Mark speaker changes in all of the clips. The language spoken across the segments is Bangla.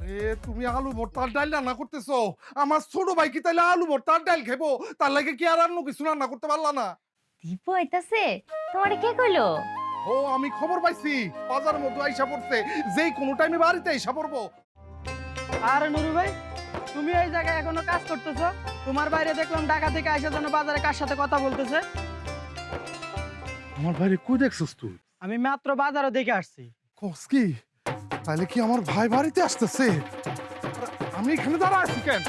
Speaker 1: আরে তুমি আলু ভর্তার ডাল রান্না করতেছো? আমার ছোট ভাই কি তাইলে আলু ভর্তার ডাল খাইবো? তার লাগে কি আর অন্য কিছু রান্না করতে পারলা না?
Speaker 2: দীপু আইতাছে? তোমারে কে কইলো?
Speaker 1: ও আমি খবর পাইছি বাজারের মধ্যে আইসা পড়ছে, যেই কোনো টাইমে বাড়িতে আইসা পড়বো।
Speaker 3: আরে নুরু ভাই, তুমি এই জায়গায় এখনো কাজ করতেছো? তোমার বাইরে দেখলাম ঢাকা থেকে আইসার জন্য বাজারে কার সাথে কথা বলতেছে।
Speaker 1: আমার ভাইরে কই দেখছিস তুই?
Speaker 3: আমি মাত্র বাজারে দেখে আসছি।
Speaker 1: কস কি? তাহলে কি আমার ভাই বাড়িতে আসতেছে? আমি এখানে দাঁড়া আছি কেন?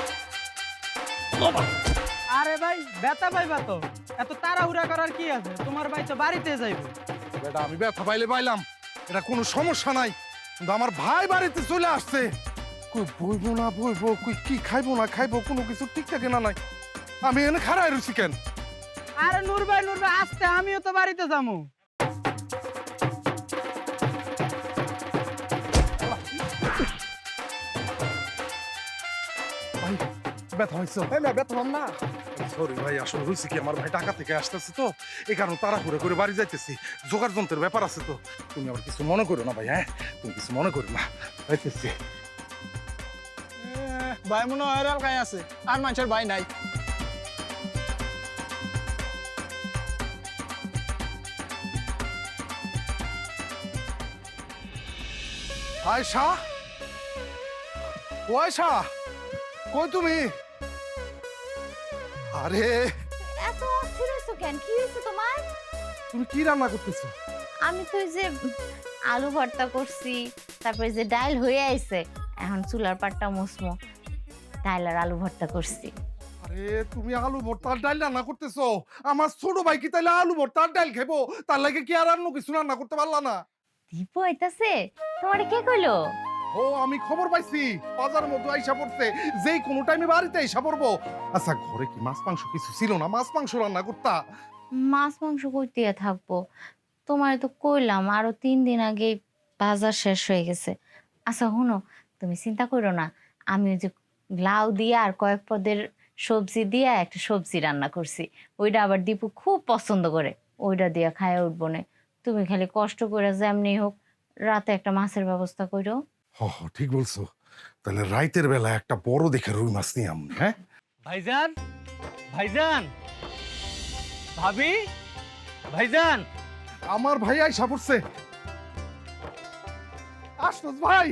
Speaker 3: আরে ভাই ব্যথা পাইবা তো, এত তাড়াহুড়া করার কি আছে? তোমার ভাই তো বাড়িতে যাইবে।
Speaker 1: বেটা আমি ব্যথা পাইলে পাইলাম, এটা কোনো সমস্যা নাই, কিন্তু আমার ভাই বাড়িতে চলে আসছে। কই বইবো না বইবো, কই কি খাইবো না খাইবো, কোনো কিছু ঠিক থাকে না নাই। আমি এখানে খাড়াই রয়েছি কেন?
Speaker 3: আরে নূর ভাই আসতে, আমিও তো বাড়িতে যাবো।
Speaker 1: ভাই ব্যথা হয়েছে?
Speaker 4: না ব্যথা হম না।
Speaker 1: সরি ভাই, আসলে হয়েছে কি আমার ভাই ঢাকা থেকে আসতেছে তো, এই কারণে তাড়াহুড়ো করে বাড়ি যাইতেছি, জোগাড় যন্ত্রের ব্যাপার আছে তো। তুমি আবার কিছু মনে করো না ভাই, হ্যাঁ তুমি কিছু মনে করো না, যাইতেছি।
Speaker 4: ভাই মনে হয় এলাকায় আছে, আর মানুষের ভাই নাই।
Speaker 1: আয়শা, ও আয়শা, কই তুমি? আরে
Speaker 2: এত অস্থির হইছো কেন? কি হইছে তোমার?
Speaker 1: তুমি কি রান্না করতেছো?
Speaker 2: আমি তো এই যে আলু ভর্তা করছি, তারপরে যে ডাল হয়ে আইছে, এখন চুলার পাটটা মুসমো, ডাল আর আলু ভর্তা করছি।
Speaker 1: আরে তুমি আলু ভর্তার ডাল রান্না করতেছো? আমার ছোট ভাই কি তাইলে আলু ভর্তার ডাল খাইবো? তার লাগে কি আর অন্য কিছু রান্না করতে পারলা না?
Speaker 2: দীপু আইতাছে? তোমারে কে কইলো?
Speaker 1: ও আমি খবর পাইছি বাজারের মধ্যে আইসা পড়ছে, যেই কোনো টাইমে বাড়িতে আইসা পড়বো। আচ্ছা ঘরে কি মাছ মাংস কিছু ছিল না? মাছ মাংস রান্না করতা?
Speaker 2: মাছ মাংস কইতে থাকবো? তোমারে তো কইলাম আরো 3 দিন আগে বাজার শেষ হয়ে গেছে। আচ্ছা হুনো, তুমি চিন্তা করো না, আমি ওই যে লাউ দিয়ে আর কয়েক পদের সবজি দিয়ে একটা সবজি রান্না করছি, ওইটা আবার দীপু খুব পছন্দ করে, ওইটা দিয়ে খায় উঠবো না। তুমি খালি কষ্ট করে যেমনি হোক রাতে একটা মাছের ব্যবস্থা করো।
Speaker 1: হ হ, ঠিক বলছো। তাহলে রাইতের বেলা একটা বড় দেখে রুই মাছ নিয়ে আমি, হ্যাঁ?
Speaker 3: ভাইজান, ভাইজান, ভাবি, ভাইজান।
Speaker 1: আমার ভাই আইসা পড়ছে। আশরাফ ভাই,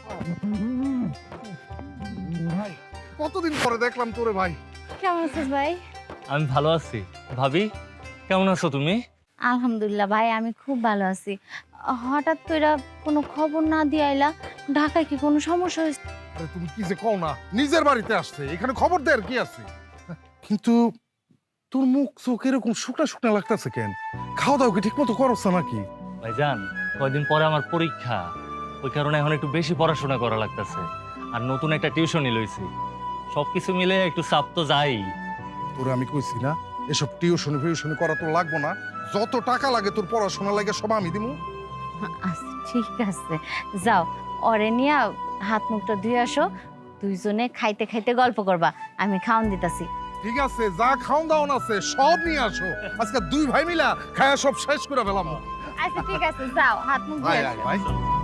Speaker 1: ভাই কতদিন পরে দেখলাম তোরে ভাই।
Speaker 2: কেমন আছিস ভাই?
Speaker 5: আমি ভালো আছি। ভাবি কেমন আছো তুমি?
Speaker 2: আলহামদুলিল্লাহ ভাই, আমি খুব ভালো আছি। হঠাৎ তোরা কোনো খবর না দিয়ে আইলা, ঢাকায় কি কোনো সমস্যা হয়েছে?
Speaker 1: আরে তুমি কি যে কও না, নিজের বাড়িতে আসছে, এখানে খবর দেয়ার কি আছে? কিন্তু তোর মুখ চোখ এরকম শুকনা শুকনা লাগতেছে কেন? খাওয়া দাওয়া কি ঠিক মতো করছ নাকি?
Speaker 5: ভাইজান কয়দিন পরে আমার পরীক্ষা, ওই কারণে এখন একটু বেশি পড়াশোনা করা লাগতেছে, আর নতুন একটা টিউশনই লইছি। সবকিছু মিলে একটু চাপ তো যাই।
Speaker 1: তোরে আমি কইছি না এসব টিউশনি ফিউশনি করা তো লাগবো না, যত টাকা লাগে তোর পড়াশোনা লাগে সব আমি দিমু।
Speaker 2: আচ্ছা ঠিক আছে, যাও অরে নিয়া হাত মুখটা ধুয়ে আসো, দুইজনে খাইতে খাইতে গল্প করবা, আমি খাওন দিতাছি।
Speaker 1: ঠিক আছে, যা খাওন দাওন আছে সব নিয়ে আসো, আজকে দুই ভাই মিলা খায়া সব শেষ করে ফেলাম।
Speaker 2: আচ্ছা ঠিক আছে, যাও হাত মুখ ধুয়ে
Speaker 1: আয় আয়
Speaker 2: আসো।
Speaker 1: ভাই।